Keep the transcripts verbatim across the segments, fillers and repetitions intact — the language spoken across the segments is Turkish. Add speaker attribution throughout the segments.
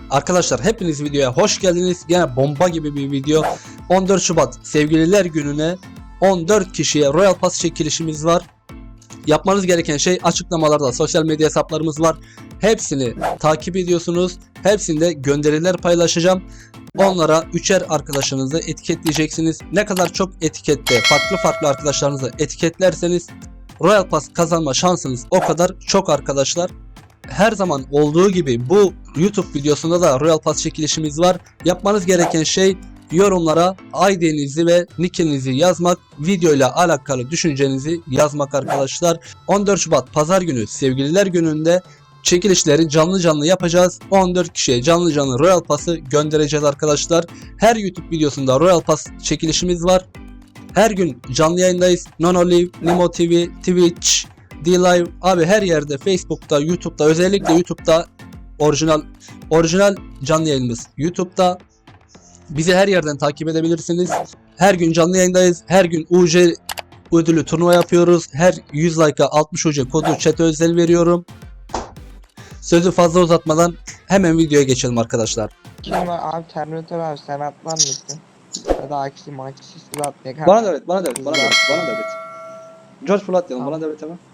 Speaker 1: Arkadaşlar hepiniz videoya hoş geldiniz. Yine bomba gibi bir video. on dört Şubat Sevgililer Günü'ne on dört kişiye Royal Pass çekilişimiz var. Yapmanız gereken şey açıklamalarda sosyal medya hesaplarımız var. Hepsini takip ediyorsunuz. Hepsinde gönderiler paylaşacağım. Onlara üçer arkadaşınızı etiketleyeceksiniz. Ne kadar çok etikette farklı farklı arkadaşlarınızı etiketlerseniz Royal Pass kazanma şansınız o kadar çok arkadaşlar. Her zaman olduğu gibi bu YouTube videosunda da Royal Pass çekilişimiz var. Yapmanız gereken şey yorumlara I D'nizi ve nickinizi yazmak, videoyla alakalı düşüncenizi yazmak arkadaşlar. on dört Şubat Pazar günü Sevgililer Günü'nde çekilişleri canlı canlı yapacağız. on dört kişiye canlı canlı Royal Pass'ı göndereceğiz arkadaşlar. Her YouTube videosunda Royal Pass çekilişimiz var. Her gün canlı yayındayız. Nonolive, Nimo T V, Twitch, D-Live abi her yerde, Facebook'ta, YouTube'da, özellikle YouTube'da orijinal orijinal canlı yayınımız YouTube'da. Bizi her yerden takip edebilirsiniz. Her gün canlı yayındayız. Her gün U C ödülü turnuva yapıyoruz. Her yüz like'a altmış U C kodu chat'e özel veriyorum. Sözü fazla uzatmadan hemen videoya geçelim arkadaşlar.
Speaker 2: Kim var abi? Terminator abi, sen atlar mısın? Ya da aksi maçı siz atlayak.
Speaker 1: Bana devret, bana devret, bana devret, bana devret. George Floyd diyelim, bana devret hemen.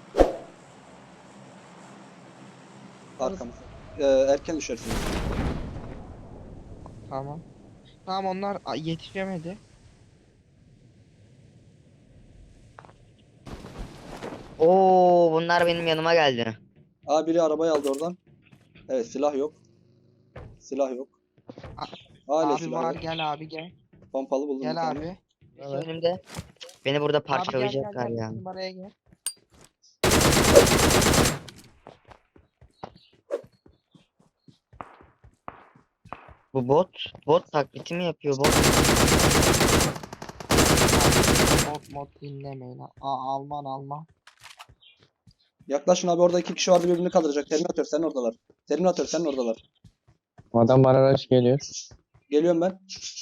Speaker 1: Arkamız. Ee, erken düşersiniz.
Speaker 2: Tamam. Tamam, onlar a, yetişemedi.
Speaker 3: Oo, bunlar benim yanıma geldi.
Speaker 1: Aa, biri arabayı aldı oradan. Evet, silah yok. Silah yok. Hala
Speaker 2: Abi
Speaker 1: silah
Speaker 2: var,
Speaker 1: yok.
Speaker 2: gel abi gel.
Speaker 1: Pompalı buldum bir
Speaker 2: Gel
Speaker 1: tane.
Speaker 2: abi.
Speaker 3: İşte önümde. Beni burada
Speaker 2: Abi gel gel
Speaker 3: parçalayacaklar
Speaker 2: gel.
Speaker 3: ya.
Speaker 2: Numaraya gel.
Speaker 3: Bu bot, bot taklidi mi yapıyor bot?
Speaker 2: Mod mod dinlemeyin. Aa, Alman Alman.
Speaker 1: Yaklaşın abi, orada iki kişi vardı birbirini kaldıracak. Terminator senin oradalar. Terminator senin oradalar.
Speaker 4: Adam bana araç geliyor.
Speaker 1: Geliyorum ben.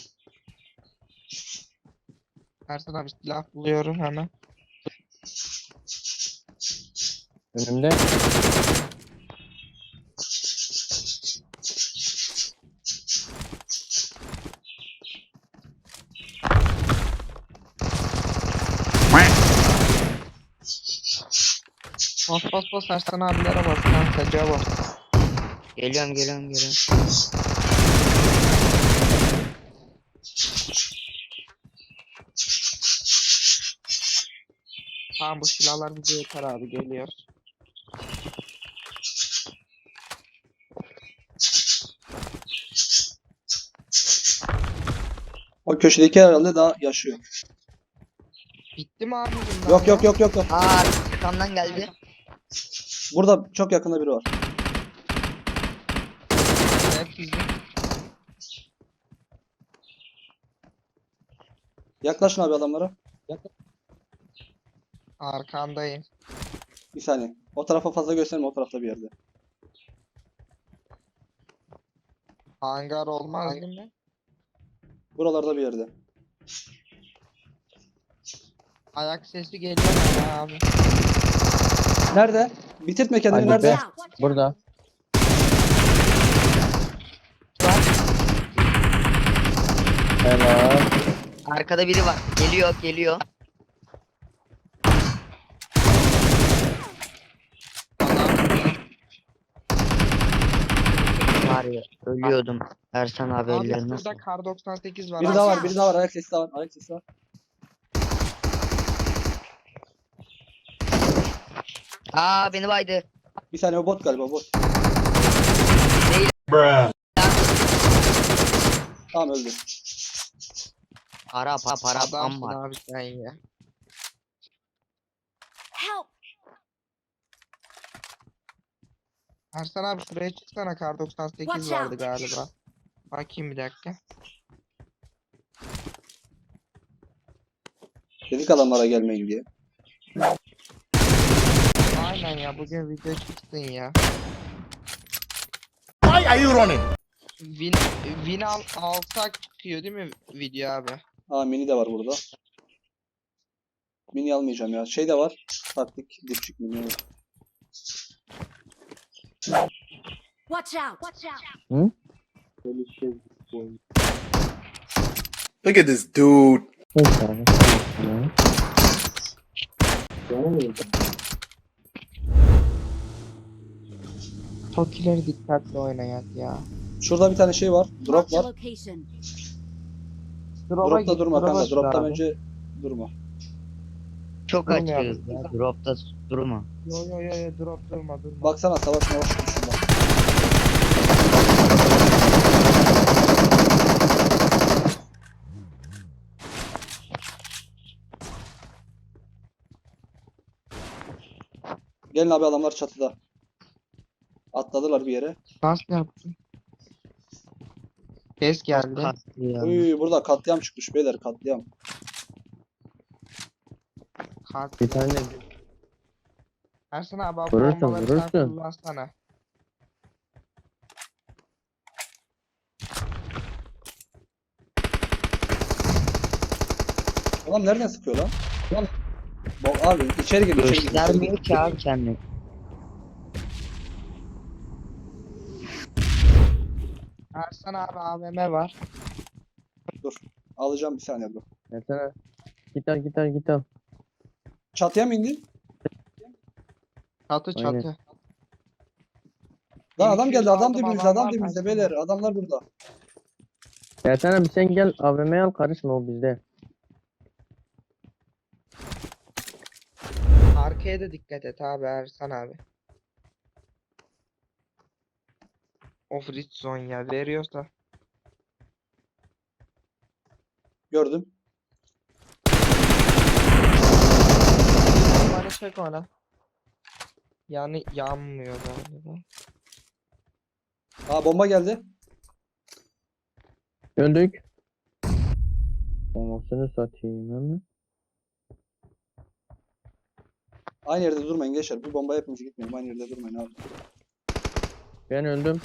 Speaker 2: Ersan abi silah buluyorum hemen.
Speaker 4: Önümde.
Speaker 2: Bas bas bas, Ersan abilere bas. Lan sacağa bas.
Speaker 3: Geliyorum geliyorum geliyorum.
Speaker 2: Tamam, bu silahlar bize yeter abi, geliyor.
Speaker 1: O köşedeki herhalde daha yaşıyor.
Speaker 2: Bitti mi abi bunlar?
Speaker 1: Yok
Speaker 2: ya?
Speaker 1: yok yok yok yok.
Speaker 3: Aa, arkamdan geldi.
Speaker 1: Burada çok yakında biri var.
Speaker 2: Evet, bizim.
Speaker 1: Yaklaşın abi adamlara.
Speaker 2: Arkandayım.
Speaker 1: Bir saniye. O tarafa fazla gösterme, o tarafta bir yerde.
Speaker 2: Hangar olmaz değil mi?
Speaker 1: Buralarda bir yerde.
Speaker 2: Ayak sesi geliyor mu abi?
Speaker 1: Nerede? Bitirtme kendini,
Speaker 4: Ali
Speaker 1: nerede?
Speaker 4: be. Burada. Helal.
Speaker 3: Arkada biri var. Geliyor geliyor. Var ya, ölüyordum. Ersan abi
Speaker 2: Abi
Speaker 3: ellerine sağlık.
Speaker 2: burada kar doksan sekiz var.
Speaker 1: Biri
Speaker 2: abi.
Speaker 1: daha var, biri daha var. Ayak sesi daha var. Ayak sesi var.
Speaker 3: Aa, beni baydı.
Speaker 1: Bir saniye, o bot galiba, bot.
Speaker 3: Değil.
Speaker 1: Tamam, öldü.
Speaker 3: Para para para pam
Speaker 2: Adamsın
Speaker 3: var.
Speaker 2: abi sen ya.
Speaker 5: Help!
Speaker 2: Ersan abi şuraya çıksana, kar doksan sekiz
Speaker 5: Watch
Speaker 2: vardı
Speaker 5: out.
Speaker 2: galiba. Bakayım bir dakika.
Speaker 1: Dedik adamlara gelmeyin diye.
Speaker 2: Aynen ya, bugün video çıksın ya.
Speaker 6: Why are you running?
Speaker 2: Win, win al, alsak çıkıyor değil mi video abi?
Speaker 1: Aa, mini de var burada. Mini almayacağım ya. Şey de var. Taktik dipçik mini.
Speaker 5: Watch out! Watch out!
Speaker 6: Look at this dude.
Speaker 4: Neyse abi. Tamam.
Speaker 2: Tokileri dikkatli oynayat ya.
Speaker 1: Şurada bir tane şey var. Drop
Speaker 5: Marked a
Speaker 1: var.
Speaker 5: location.
Speaker 2: Drop'a
Speaker 1: Dropta
Speaker 2: git,
Speaker 1: durma
Speaker 2: drop'a
Speaker 1: kanka.
Speaker 2: git
Speaker 1: Dropta
Speaker 2: abi.
Speaker 1: önce durma.
Speaker 3: Çok
Speaker 2: Durmayalım
Speaker 3: açığız
Speaker 2: ya.
Speaker 3: ya. Dropta durma.
Speaker 2: Yo yo yo yo drop durma durma.
Speaker 1: Baksana savaş mavaş şurada. Gelin abi, adamlar çatıda. Atladılar bir yere.
Speaker 2: Nasıl yaptın? Ses geldi.
Speaker 3: Kastı ya.
Speaker 1: Uy, burada katliam çıkmış beyler, katliam.
Speaker 2: Kalk.
Speaker 4: Bir tane
Speaker 2: Ersin abi abi
Speaker 4: Vurursun,
Speaker 2: bombaları sen
Speaker 4: vurursun.
Speaker 2: kullansana.
Speaker 1: Ulan nereden sıkıyor lan? Ulan. Bo- Abi içeri gir, içeri gir. içeri gir.
Speaker 3: Göstermiyor ki abi kendini.
Speaker 2: Ersin abi A V M var.
Speaker 1: Alacağım bir saniye dur.
Speaker 4: Mesela git al git al git al.
Speaker 1: Çatıya mı indi?
Speaker 2: Çatı
Speaker 4: Aynen.
Speaker 2: çatı.
Speaker 1: Lan adam geldi, adam
Speaker 2: aldım,
Speaker 1: dibimizde,
Speaker 2: adam
Speaker 1: adam
Speaker 2: var
Speaker 1: dibimizde
Speaker 2: karşımda.
Speaker 1: beyler. Adamlar burada.
Speaker 4: Ya sen abi sen gel A V M'ye al, karışma, o bizde.
Speaker 2: Arkaya da dikkat et abi Ersan abi. Of red zone ya veriyorsa.
Speaker 1: Gördüm.
Speaker 2: Bana çek ona. Yani yanmıyor galiba.
Speaker 1: Aa, bomba geldi.
Speaker 4: Öldük. Olmasını satayım hemen.
Speaker 1: Aynı yerde durmayın gençler. Bir bomba hepimiz gitmeyelim. Aynı yerde durmayın abi.
Speaker 4: Ben öldüm.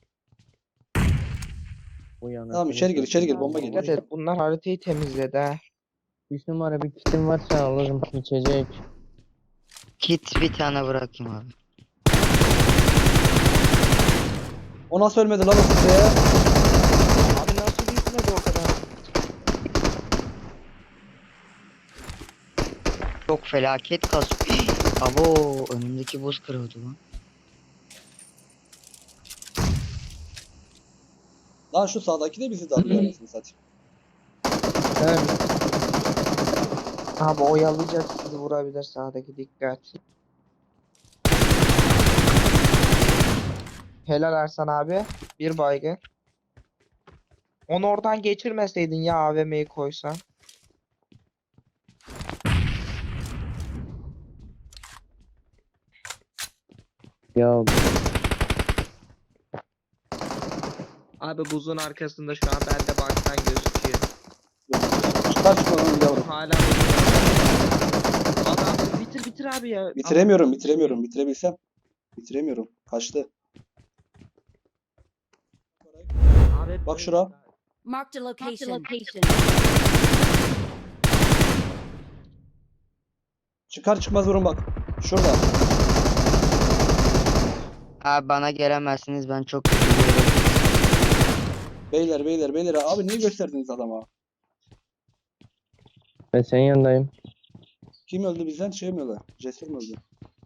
Speaker 4: Bu yana.
Speaker 1: Tamam, içeri gir, içeri gir. Bomba
Speaker 2: Dikkat
Speaker 1: geliyor.
Speaker 2: et bunlar haritayı temizledi ha.
Speaker 4: üç numara bir kitim varsa alırım, içecek.
Speaker 3: Kit bir tane bırakayım abi.
Speaker 1: O nasıl ölmedi lan o size?
Speaker 2: Abi nasıl bitmedi o kadar?
Speaker 3: Çok felaket kasıyor. Abo önümdeki buz kırıldı lan.
Speaker 1: Lan şu sağdaki de bizi darlıyor anasını satayım.
Speaker 4: Sen
Speaker 2: Abi oyalayacak sizi vurabilir sağdaki dikkat. Helal Ersan abi. Bir baygın. Onu oradan geçirmeseydin ya A V M'yi koysan.
Speaker 4: ya
Speaker 2: Abi buzun arkasında şu an bende baktan gözüküyor.
Speaker 1: Çıkar çıkmadan yavrum.
Speaker 2: Hala buzun- Adam bitir bitir abi ya.
Speaker 1: Bitiremiyorum, bitiremiyorum. Bitirebilsem. Bitiremiyorum. Kaçtı.
Speaker 2: Abi,
Speaker 1: Bak şura.
Speaker 5: Marked a location.
Speaker 1: Çıkar çıkmaz vurun bak. Şurada.
Speaker 3: Abi bana gelemezsiniz, ben çok üzülüyorum.
Speaker 1: Beyler beyler beyler. Abi niye gösterdiniz adama?
Speaker 4: ben senin yanındayım.
Speaker 1: Kim öldü bizden? Şey mi öldü? Cesur mu öldü?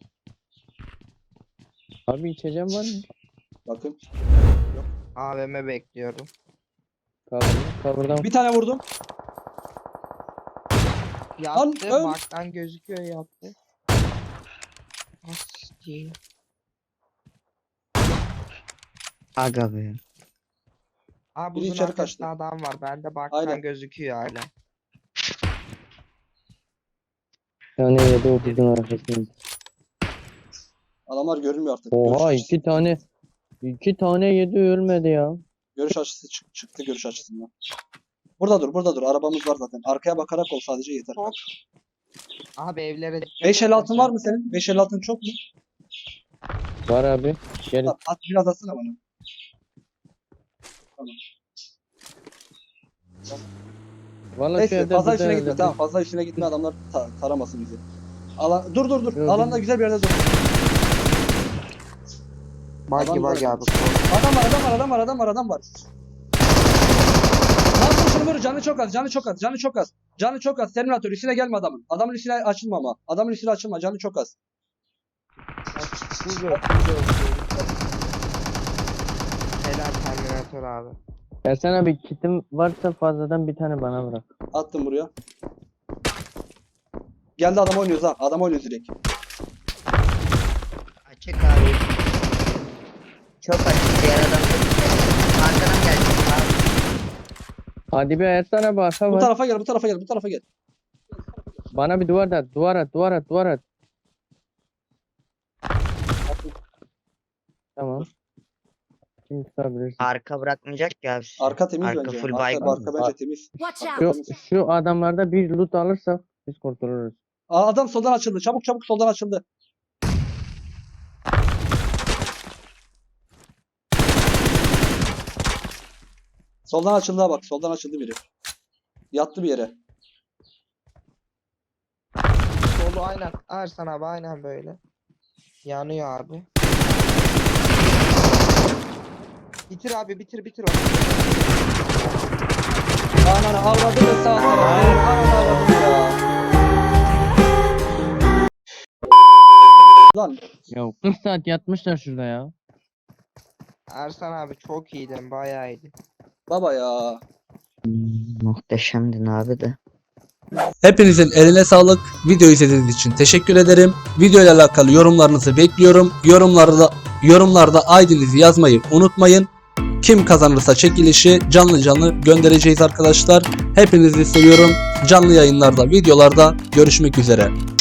Speaker 4: Abi içeceğim var mı?
Speaker 1: Bakın.
Speaker 2: A V M bekliyorum.
Speaker 4: Cover, cover'dan.
Speaker 1: Bir tane vurdum.
Speaker 2: Yattı.
Speaker 1: öl.
Speaker 2: Baktan gözüküyor yattı. Asti.
Speaker 3: Aga be.
Speaker 2: Abi
Speaker 1: Biri
Speaker 2: buzun
Speaker 1: içeri
Speaker 2: arkasında
Speaker 1: kaçtı.
Speaker 2: adam var. Bende baktan
Speaker 1: Aynen.
Speaker 2: gözüküyor hala.
Speaker 4: Yani yedi otuzun arkasında.
Speaker 1: Adamlar görünmüyor artık. Görüş
Speaker 4: Oha
Speaker 1: açısı,
Speaker 4: iki tane. iki tane yedi ölmedi ya.
Speaker 1: görüş açısı çık- çıktı görüş açısından. Burada dur, burada dur. Arabamız var zaten. Arkaya bakarak ol sadece yeter.
Speaker 2: Çok. Abi evlere dikkat
Speaker 1: beş
Speaker 2: et
Speaker 1: elli altın
Speaker 2: sen.
Speaker 1: var mı senin? beş elli altın çok mu?
Speaker 4: Var abi. Gelin.
Speaker 1: At, at biraz atsana bana.
Speaker 4: Vallahi şu
Speaker 1: Neyse
Speaker 4: evde
Speaker 1: fazla
Speaker 4: güzel
Speaker 1: işine gitme
Speaker 4: evde.
Speaker 1: tamam, fazla işine gitme, adamlar ta- taramasın bizi. Alan dur dur dur.
Speaker 4: Yok,
Speaker 1: Alanda
Speaker 4: yok.
Speaker 1: güzel bir yerde dur.
Speaker 2: Buggy
Speaker 1: Adam var.
Speaker 2: buggy abi.
Speaker 1: Adam var, adam var, adam var, adam var, adam var. Lan vur şunu vur, canı çok az, canı çok az, canı çok az. Canı çok az, Terminator üstüne gelme adamın. Adamın üstüne açılma ama. Adamın üstüne açılma, canı çok az.
Speaker 2: Güzel, güzel. Helal Terminator abi.
Speaker 4: Ertan abi kitim varsa fazladan bir tane bana bırak.
Speaker 1: Attım buraya. Geldi adam oynuyoruz ha, adam oynuyoruz direkt.
Speaker 3: Açık abi. Çok açık diğer adam. Arkadan gelecek abi.
Speaker 4: Hadi bir Ertan abi arka
Speaker 1: Bu
Speaker 4: var.
Speaker 1: tarafa gel, bu tarafa gel, bu tarafa gel.
Speaker 4: Bana bir duvar at, duvar at, duvar at, duvar at. Tamam. Şimdi tutabilirsin.
Speaker 3: Arka bırakmayacak ki abi sizi.
Speaker 1: Arka temiz
Speaker 3: Arka
Speaker 1: bence.
Speaker 3: full
Speaker 1: Arka,
Speaker 3: baygın.
Speaker 1: arka bence temiz.
Speaker 5: Watch
Speaker 4: Şu,
Speaker 5: out!
Speaker 4: şu adamlarda bir loot alırsak biz kurtuluruz.
Speaker 1: Aa, adam soldan açıldı. Çabuk çabuk soldan açıldı. Soldan açıldı ha bak. Soldan açıldı biri. Yattı bir yere.
Speaker 2: Solu aynen. Ersan abi aynen böyle. Yanıyor abi. Bitir abi bitir bitir onu.
Speaker 1: Ananı avradı ve sağ Ananı avradı ya. Lan
Speaker 4: Ya kırk saat yatmışlar şurada ya.
Speaker 2: Ersan abi çok iyiydin bayağı iyiydi.
Speaker 1: baba ya.
Speaker 3: Muhteşemdin abi de.
Speaker 1: Hepinizin eline sağlık. Video izlediğiniz için teşekkür ederim. Video ile alakalı yorumlarınızı bekliyorum. Yorumlarda yorumlarda I D'nizi yazmayı unutmayın. Kim kazanırsa çekilişi canlı canlı göndereceğiz arkadaşlar. Hepinizi seviyorum. Canlı yayınlarda, videolarda görüşmek üzere.